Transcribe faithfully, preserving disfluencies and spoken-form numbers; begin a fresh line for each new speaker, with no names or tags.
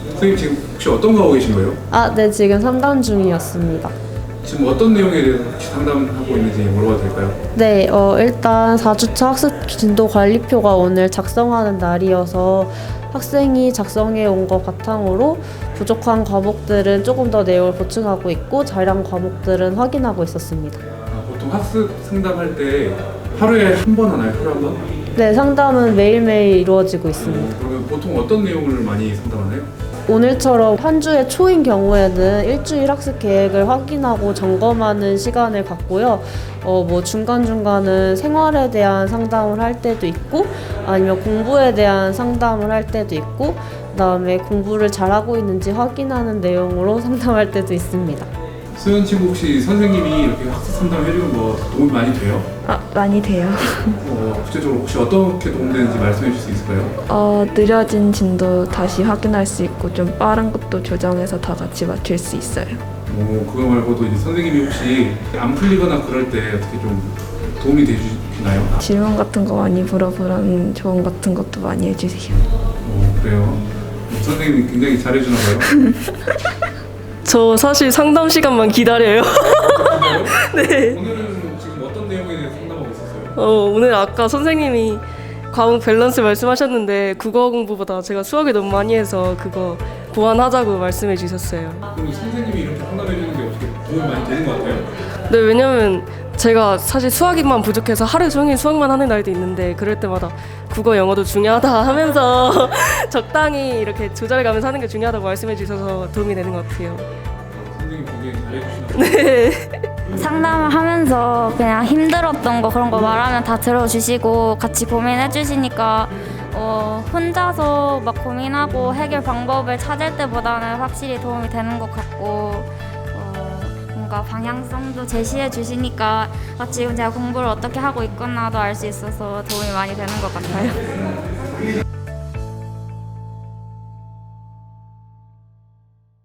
선생님 지금 혹시 어떤 거 하고 계신 거예요?
아, 네, 지금 상담 중이었습니다.
지금 어떤 내용에 대해서 혹시 상담하고 있는지 물어봐도 될까요?
네, 어, 일단 사 주차 학습 진도 관리표가 오늘 작성하는 날이어서 학생이 작성해 온 것 바탕으로 부족한 과목들은 조금 더 내용을 보충하고 있고 자량 과목들은 확인하고 있었습니다.
아, 보통 학습 상담할 때 하루에 한 번 하나요? 하루에 한 번?
네, 상담은 매일매일 이루어지고 있습니다.
어, 그러면 보통 어떤 내용을 많이 상담하나요?
오늘처럼 한 주의 초인 경우에는 일주일 학습 계획을 확인하고 점검하는 시간을 갖고요. 어, 뭐 중간중간은 생활에 대한 상담을 할 때도 있고 아니면 공부에 대한 상담을 할 때도 있고 그다음에 공부를 잘하고 있는지 확인하는 내용으로 상담할 때도 있습니다.
수연 친구 혹시 선생님이 이렇게 학습 상담 해주는 거 도움이 많이 돼요?
아, 많이 돼요.
어, 구체적으로 혹시 어떻게 도움되는지 말씀해 주실 수 있을까요?
어, 느려진 진도 다시 확인할 수 있고 좀 빠른 것도 조정해서 다 같이 맞출 수 있어요.
어, 그거 말고도 이제 선생님이 혹시 안 풀리거나 그럴 때 어떻게 좀 도움이 되주나요?
질문 같은 거 많이 물어보라는 조언 같은 것도 많이 해주세요.
어, 그래요. 선생님이 굉장히 잘해주나 봐요.
저 사실 상담 시간만 기다려요. 네.
오늘은 지금 어떤 내용에 대해서 상담하고 있었어요?
어, 오늘 아까 선생님이 과목 밸런스 말씀하셨는데 국어 공부보다 제가 수학을 너무 많이 해서 그거 보완하자고 말씀해 주셨어요.
그럼 선생님이 이렇게 상담해 주는 게 어떻게 도움이 많이 되는 것 같아요?
네, 왜냐면 제가 사실 수학이만 부족해서 하루 종일 수학만 하는 날도 있는데 그럴 때마다 국어, 영어도 중요하다 하면서 적당히 이렇게 조절해가면서 하는 게 중요하다고 말씀해 주셔서 도움이 되는 것 같아요.
선생님 굉장히 잘해주시나 봐요.
네.
상담을 하면서 그냥 힘들었던 거 그런 거 말하면 다 들어주시고 같이 고민해 주시니까 어, 혼자서 막 고민하고 해결 방법을 찾을 때보다는 확실히 도움이 되는 것 같고 어, 뭔가 방향성도 제시해 주시니까 아, 지금 제가 공부를 어떻게 하고 있구나도 알 수 있어서 도움이 많이 되는 것 같아요.